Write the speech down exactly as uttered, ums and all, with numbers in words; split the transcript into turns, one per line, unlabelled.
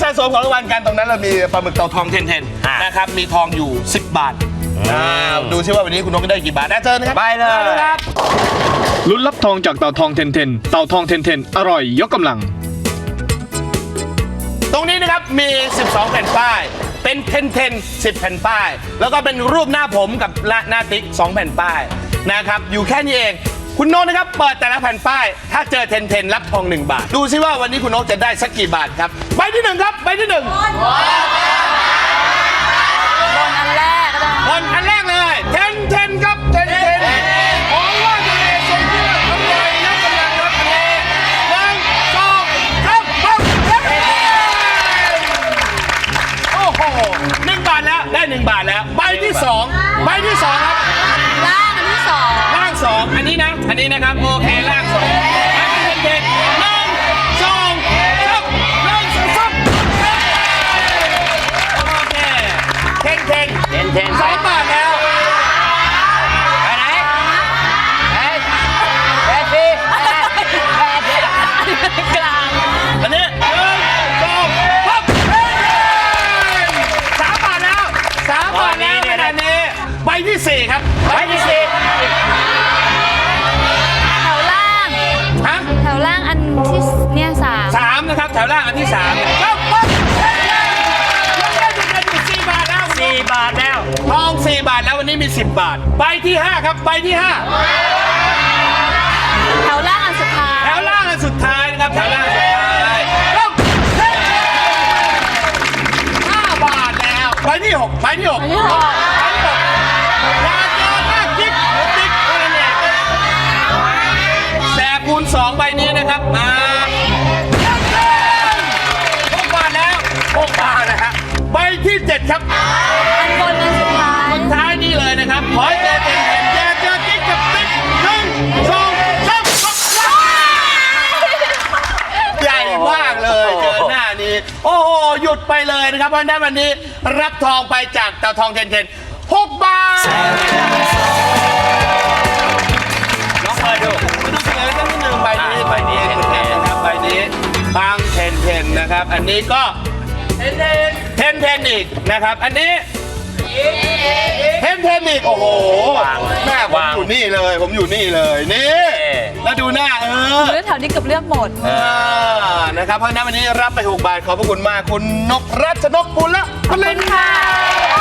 ะสมของรางวัลกันตรงนั้นเรามีปลาหมึกเต่าทองเทนเทนนะครับมีทองอยู่สิบบาทดูซิว่าวันนี้คุณนกจะได้กี่บาทนะเจอนะครับไปเลยครับ
ลุ้นรับทองจากเต่าทองเทนเทนเต่าทองเทนเทนอร่อยยกกำลัง
ตรงนี้นะครับมีสิบสองแผ่นป้ายเป็นเทนเทนสิบแผ่นป้ายแล้วก็เป็นรูปหน้าผมกับหน้าติ๊กสองแผ่นป้ายนะครับอยู่แค่นี้เองคุณโน้ตนะครับเปิดแต่ละแผ่นป้ายถ้าเจอเทนเทนรับทองหนึ่งบาทดูซิว่าวันนี้คุณโน้ตจะได้สักกี่บาทครับใบที่หนึ่งครับใบที่หนึ่ง
บนอันแรก
บนอันแรกเลยเทนเทนครับเทนเทนของว่าทะเลทรงเลือดอร่อยนักกำลังรับทะเลหนึ่งสองสามปั๊บโอ้โหหนึ่งบาทแล้วได้หนึ่งบาทแล้วใบที่สองใบที่สองครับ
ล่างอันที่สอง
ล่างสองอันนี้นะอันนี้นะครับโอเคล่างสองเทนเทนหนึ่งสองสามหนึ่งสองสามโอเคเทนเทนเทนเทนสองบาทแล้ว
ไปไหนไปแปดสิบแปดสิบกลาง
อันนี้หนึ่งสองปั๊บสามบาทแล้วสามบาทแล้วขนาดนี้ใบที่สี่ครับใบที่สี่
แถวล่าง
ฮะ
แถวล่างอันที่เนี่ยสาม
สามนะครับแถวล่างอันที่สามปั๊บปั๊บยังได้อยู่กันอยู่สี่บาทแล้วสี่บาทแล้วทองสี่บาทแล้ววันนี้มีสิบบาทใบที่ห้าครับใบที่ห้า
แถวล่างอันสุดท้าย
แถวล่างอันสุดท้ายนะครับแถวล่างอันสุดท้ายปั๊บห้าบาทแล้วใบที่หกใบที่หกใบที่หกยาเจอมากจิ๊กจิ๊กเท่านั้นเองแสบคูณสองใบนี้นะครับมาหกบาทแล้วหกบาทนะฮะใบที่เจ็ดครับ
อันบนอันสุดท้าย
สุดท้ายนี่เลยนะครับขอให้เจอเต็มเต็มแย่เจอจิ๊กกับติ๊กหนึ่งสองสามใหญ่มากเลยเจอหน้านี้โอ้โหหยุดไปเลยนะครับเพราะฉะนั้นวันนี้รับทองไปจากเต่าทองเทนเทนหกบาทน้องเปิดดูมาดูเฉลยสักนิดหนึ่งใบนี้ใบนี้เทนเทนนะครับใบนี้บางเทนเทนนะครับอันนี้ก็เทนเทนเทนเทนอีกนะครับอันนี้เทนเทนอีกโอ้โหแม่ผมอยู่นี่เลยผมอยู่นี่เลยนี่แล้วดูหน้าเออ
เลือกแถวนี้เกือบเลือกหมด
นะครับเพราะฉะนั้นวันนี้รับไปหกบาทขอบพระคุณมากคุณนกรัชนกปุณละพลินค่ะ